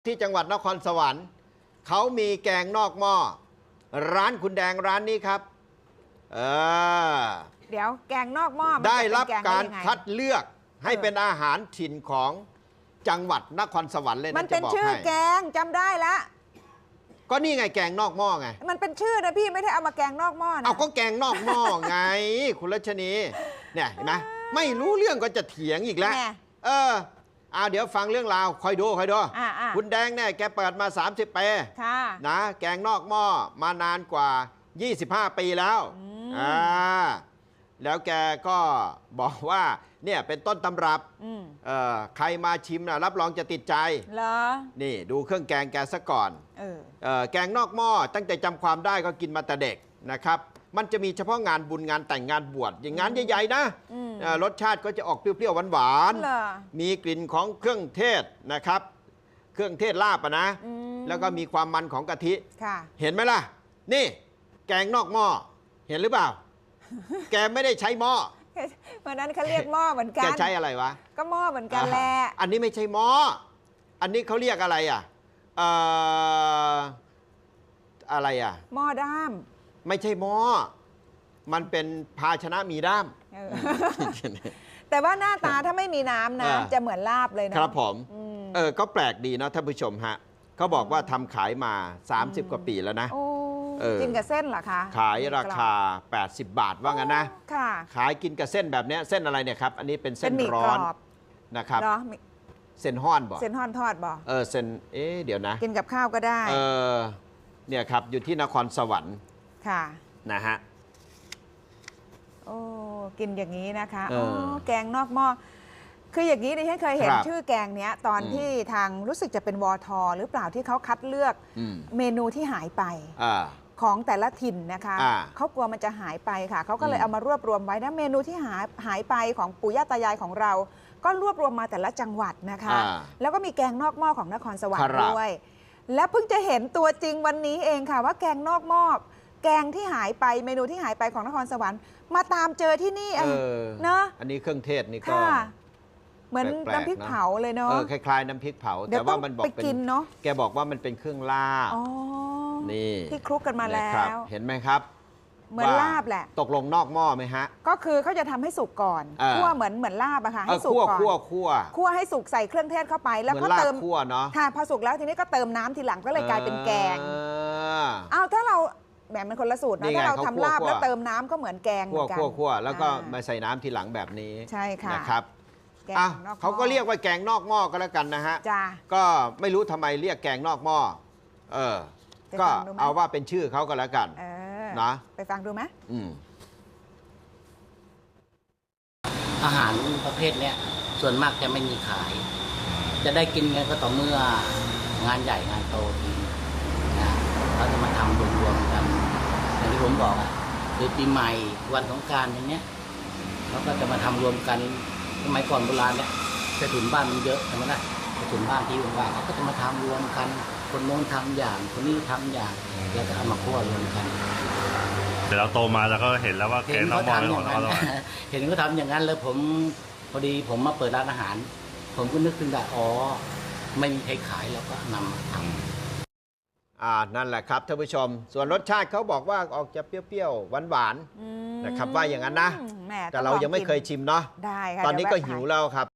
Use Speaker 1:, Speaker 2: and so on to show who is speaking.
Speaker 1: ที่จังหวัดนครสวรรค์เขามีแกงนอกหม้อร้านคุณแดงร้านนี้ครับ
Speaker 2: เดี๋ยวแกงนอกหม้อ
Speaker 1: ได้รับการคัดเลือกให้เป็นอาหารถิ่นของจังหวัดนครสวรรค์เลยนะ
Speaker 2: มันเป็นชื่อแกงจำได้ละ
Speaker 1: ก็นี่ไงแกงนอกหม้อไง
Speaker 2: มันเป็นชื่อนะพี่ไม่ได้เอามาแกงนอกหม้อนะ
Speaker 1: เอาก็แกงนอกหม้อไงคุณรัชนีเนี่ยเห็นไหมไม่รู้เรื่องก็จะเถียงอีกแล้วเดี๋ยวฟังเรื่องราวคอยดูคุณแดงเนี่ยแกเปิดมา30 ปีนะแกงนอกหม้อมานานกว่า25 ปีแล้วแล้วแกก็บอกว่าเนี่ยเป็นต้นตำรับใครมาชิมนะรับรองจะติดใจ
Speaker 2: เหรอ
Speaker 1: นี่ดูเครื่องแกงแกซะก่อนแกงนอกหม้อตั้งแต่จำความได้ก็กินมาแต่เด็กนะครับมันจะมีเฉพาะงานบุญงานแต่งงานบวชอย่างงานใหญ่ๆนะรสชาติก็จะออกเปรี้ยวๆหวานๆมีกลิ่นของเครื่องเทศนะครับเครื่องเทศลาบนะแล้วก็มีความมันของกะทิเห็นไหมล่ะนี่แกงนอกหม้อเห็นหรือเปล่าแกไม่ได้ใช้หม้อ
Speaker 2: วันนั้นเขาเรียกหม้อเหมือนกัน
Speaker 1: แกใช้อะไรวะ
Speaker 2: ก็หม้อเหมือนกันแหละ
Speaker 1: อันนี้ไม่ใช่หม้ออันนี้เขาเรียกอะไรอะไร
Speaker 2: หม้อด้าม
Speaker 1: ไม่ใช่หม้อมันเป็นภาชนะมีด้าม
Speaker 2: แต่ว่าหน้าตาถ้าไม่มีน้ำนะจะเหมือนลาบเลยนะครับ
Speaker 1: ผมก็แปลกดีนะท่านผู้ชมฮะเขาบอกว่าทำขายมา30 กว่าปีแล้วนะ
Speaker 2: กินกับเส้นเหรอคะ
Speaker 1: ขายราคา80 บาทว่างั้นนะขายกินกับเส้นแบบนี้เส้นอะไรเนี่ยครับอันนี้เป็นเส้นร้อนนะครับเส้นห้อนบ่
Speaker 2: เส้นห้อนทอดบ่
Speaker 1: เส้นเดี๋ยวนะ
Speaker 2: กินกับข้าวก็ได้
Speaker 1: เนี่ยครับอยู่ที่นครสวรรค์
Speaker 2: ค่ะ
Speaker 1: นะฮะ
Speaker 2: กินอย่างนี้นะคะแกงนอกหม้อคืออย่างนี้ดิฉันเคยเห็นชื่อแกงเนี้ยตอนที่ทางรู้สึกจะเป็นวทหรือเปล่าที่เขาคัดเลือกเมนูที่หายไปของแต่ละถิ่นนะคะเขากลัวมันจะหายไปค่ะเขาก็เลยเอามารวบรวมไว้นะเมนูที่หายไปของปู่ย่าตายายของเราก็รวบรวมมาแต่ละจังหวัดนะคะแล้วก็มีแกงนอกหม้อของนครสวรรค์ด้วยและเพิ่งจะเห็นตัวจริงวันนี้เองค่ะว่าแกงนอกหม้อแกงที่หายไปเมนูที่หายไปของนครสวรรค์มาตามเจอที่นี่เนาะ
Speaker 1: อันนี้เครื่องเทศนี่ก็
Speaker 2: เหมือนน้ำพริกเผาเลยเนาะ
Speaker 1: คล้ายๆน้ำพริกเผาแต่ว่ามันบอกเป็น
Speaker 2: เนาะ
Speaker 1: แกบอกว่ามันเป็นเครื่องลาบนี่
Speaker 2: ที่คลุกกันมาแล้ว
Speaker 1: เห็นไหมครับ
Speaker 2: เหมือนลาบแหละ
Speaker 1: ตกลงนอกหม้อไหมฮะ
Speaker 2: ก็คือเขาจะทำให้สุกก่อนคั่วเหมือนลาบอะค่ะให้สุกก่อนคั่วให้สุกใส่เครื่องเทศเข้าไปแล้วก็เติม
Speaker 1: คั่วเนาะ
Speaker 2: พอสุกแล้วทีนี้ก็เติมน้ำทีหลังก็เลยกลายเป็นแกงเอาถ้าเราแบบมันคนละสูตรนะถ้าเราทำลาบแล้วเติมน้ำก็เหมือนแกงเหมือนกัน
Speaker 1: คั่วแล้วก็มาใส่น้ำทีหลังแบบนี้
Speaker 2: ใช่ค่ะ
Speaker 1: นะครับเขาก็เรียกว่าแกงนอกหม้อก็แล้วกันนะฮะก็ไม่รู้ทำไมเรียกแกงนอกหม้อก็เอาว่าเป็นชื่อเขาก็แล้วกันนะ
Speaker 2: ไปฟังดูไหม
Speaker 3: อาหารประเภทนี้ส่วนมากจะไม่มีขาย จะได้กินกันก็ต่อเมื่องานใหญ่งานโตทีนะเขาจะมาทำรวมๆกันอย่างที่ผมบอกคือปีใหม่วันสงกรานต์อย่างเนี้ยเขาก็จะมาทำรวมกันสมัยก่อนโบราณเนี่ยกระถิ่นบ้านมันเยอะใช่ไหมล่ะกระถิ่นบ้านที่ว่างๆเขาก็จะมาทำรวมกันคนโน้นทำอย่างคนนี้ทำอย่างแล้วก็เอามาคั่วรวมกัน
Speaker 4: แต่เราโตมาแล้วก็เห็นแล้วว่าแกงนอกหม้อของเรา
Speaker 3: เห็นเขาทำอย่างนั้นแล้วผมพอดีผมมาเปิดร้านอาหารผมก็นึกขึ้นได้ไม่มีใครขายแล้วก็นำมาทำ
Speaker 1: นั่นแหละครับท่านผู้ชมส่วนรสชาติเขาบอกว่าออกจะเปรี้ยวๆหวานๆนะครับว่าอย่างนั้นนะแต่เรายังไม่เคยชิมเนาะตอนนี้ก็หิวแล้วครับ